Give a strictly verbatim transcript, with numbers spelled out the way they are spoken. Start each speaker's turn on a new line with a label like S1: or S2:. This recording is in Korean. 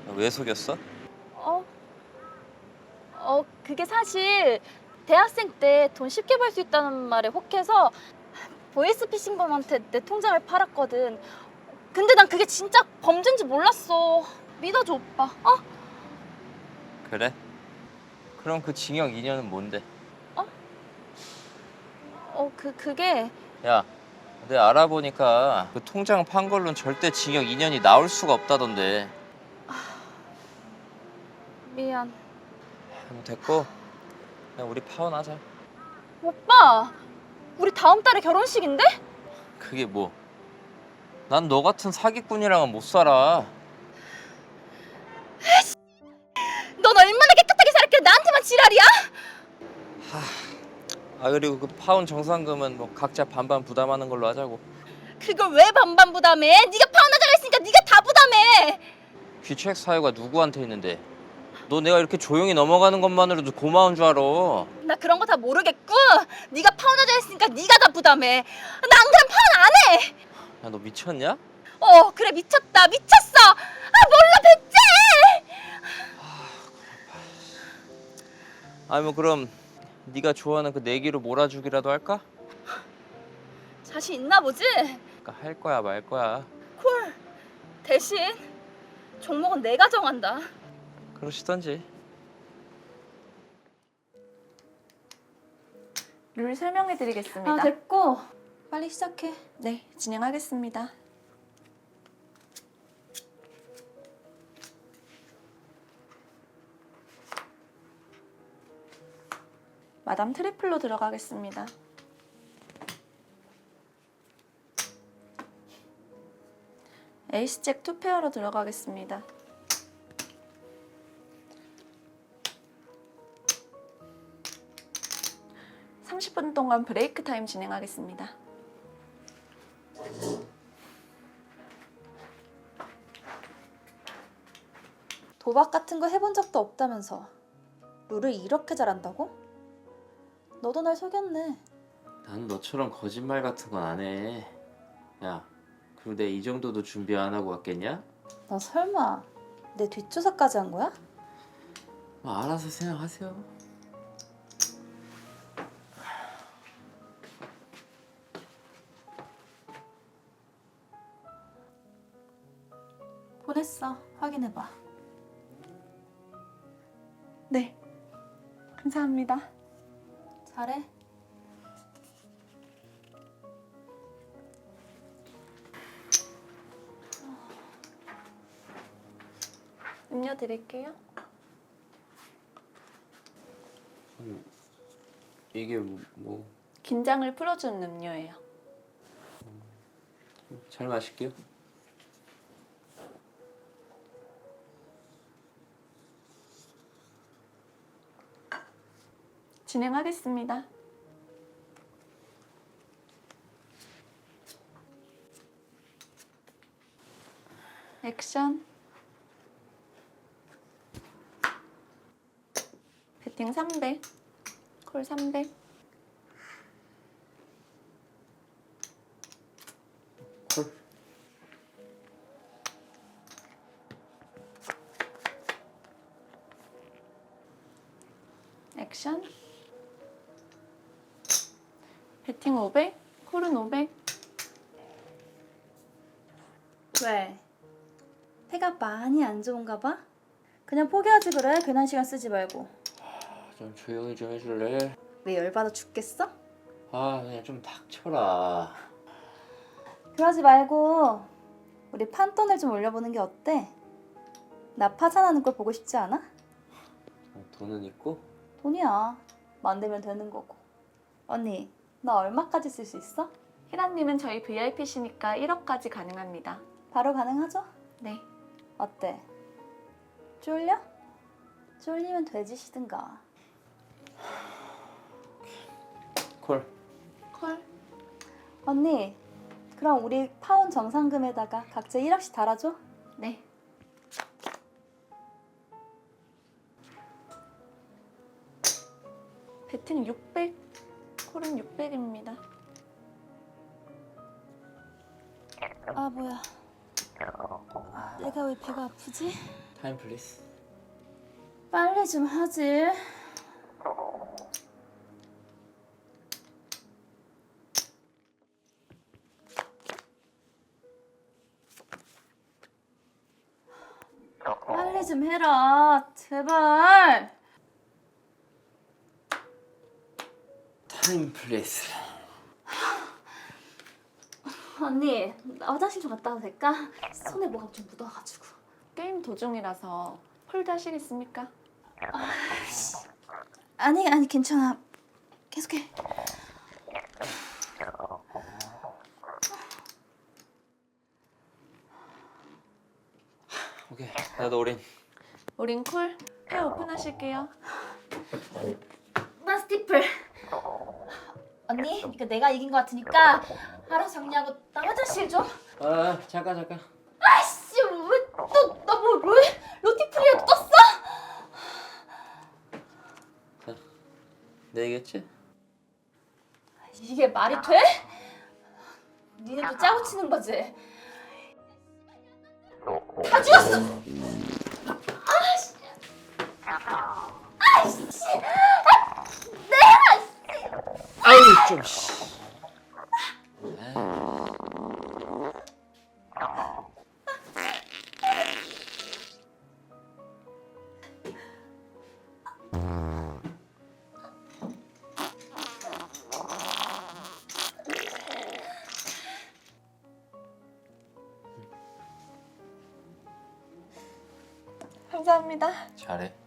S1: 왜 속였어?
S2: 어? 어, 그게 사실 대학생 때 돈 쉽게 벌 수 있다는 말에 혹해서 보이스피싱범한테 내 통장을 팔았거든. 근데 난 그게 진짜 범죄인지 몰랐어. 믿어줘, 오빠. 어?
S1: 그래? 그럼 그 징역 이 년은 뭔데?
S2: 어, 그, 그게
S1: 야, 내가 알아보니까 그 통장 판 걸로는 절대 징역 이 년이 나올 수가 없다던데.
S2: 미안.
S1: 그럼 됐고, 그냥 우리 파혼하자.
S2: 오빠! 우리 다음 달에 결혼식인데?
S1: 그게 뭐? 난 너 같은 사기꾼이랑은 못 살아.
S2: 넌 얼마나 깨끗하게 살았길래 나한테만 지랄이야?
S1: 아 그리고 그 파혼 정산금은 뭐 각자 반반 부담하는 걸로 하자고.
S2: 그걸 왜 반반 부담해? 네가 파혼하자고 했으니까 네가 다 부담해.
S1: 귀책 사유가 누구한테 있는데? 너 내가 이렇게 조용히 넘어가는 것만으로도 고마운 줄 알아.
S2: 나 그런 거 다 모르겠고 네가 파혼하자 했으니까 네가 다 부담해. 나 안 그럼 파혼 안 해.
S1: 야, 너 미쳤냐?
S2: 어, 그래 미쳤다 미쳤어. 아 몰라 백제.
S1: 아니 뭐 그럼 네가 좋아하는 그 내기로 몰아주기라도 할까?
S2: 자신 있나 보지?
S1: 그러니까 할 거야 말 거야.
S2: 콜. 대신 종목은 내가 정한다.
S1: 그러시던지.
S3: 룰 설명해 드리겠습니다.
S2: 아 됐고 빨리 시작해.
S3: 네, 진행하겠습니다. 마담 트리플로 들어가겠습니다. 에이스 잭 투 페어로 들어가겠습니다. 삼십 분 동안 브레이크 타임 진행하겠습니다.
S2: 도박 같은 거 해본 적도 없다면서 룰을 이렇게 잘한다고? 너도 날 속였네.
S1: 난 너처럼 거짓말 같은 건 안 해. 야, 그리고 내 이 정도도 준비 안 하고 왔겠냐?
S2: 너 설마 내 뒷조사까지 한 거야?
S1: 뭐 알아서 생각하세요.
S2: 보냈어. 확인해봐.
S3: 네, 감사합니다.
S2: 잘해.
S3: 음료 드릴게요.
S1: 이게 뭐
S3: 긴장을 풀어주는 음료예요.
S1: 잘 마실게요.
S3: 진행하겠습니다. 액션. 배팅 삼백, 콜 삼백.
S1: 콜.
S3: 액션. 배팅 오백, 콜은 오백.
S2: 왜? 패가 많이 안 좋은가 봐? 그냥 포기하지 그래. 괜한 시간 쓰지 말고.
S1: 좀 조용히 좀 해줄래?
S2: 왜 열받아 죽겠어?
S1: 아 그냥 좀 닥쳐라.
S2: 그러지 말고 우리 판돈을 좀 올려보는 게 어때? 나 파산하는 걸 보고 싶지 않아?
S1: 돈은 있고?
S2: 돈이야. 만들면 되는 거고. 언니, 나 얼마까지 쓸 수 있어?
S3: 희라님은 저희 브이아이피시니까 일억까지 가능합니다.
S2: 바로 가능하죠?
S3: 네.
S2: 어때? 쫄려? 쫄리면 돼지시든가.
S1: 콜.
S3: 콜.
S2: 언니, 그럼 우리 파혼 정산금에다가 각자 일억씩 달아줘?
S3: 네. 배팅 육백, 콜은 육백입니다.
S2: 아 뭐야. 내가 왜 배가 아프지?
S1: 타임 플리즈.
S2: 빨리 좀 하지. 빨리 좀 해라, 제발.
S1: 타임 플리즈.
S2: 언니, 나 화장실 좀 갔다 와도 될까? 손에 뭐가 좀 묻어가지고.
S3: 게임 도중이라서 폴드 하시겠습니까?
S2: 아니, 아니, 괜찮아. 계속해.
S1: 오케이. 나도 올인.
S3: 우린 콜. 회 오픈하실게요.
S2: 나 스티플. 언니, 이거 내가 이긴 것 같으니까 알아서 정리하고 나 화장실 좀.
S1: 아 잠깐 잠깐.
S2: 아이씨, 왜또나뭐 로 로티플이라도 떴어?
S1: 자, 내 얘기했지?
S2: 이게 말이 돼? 니네도 짜고 치는 거지? 다 죽었어! 아씨! 아이씨!
S1: 아유 좀. 씨.
S3: 감사합니다.
S1: 잘해.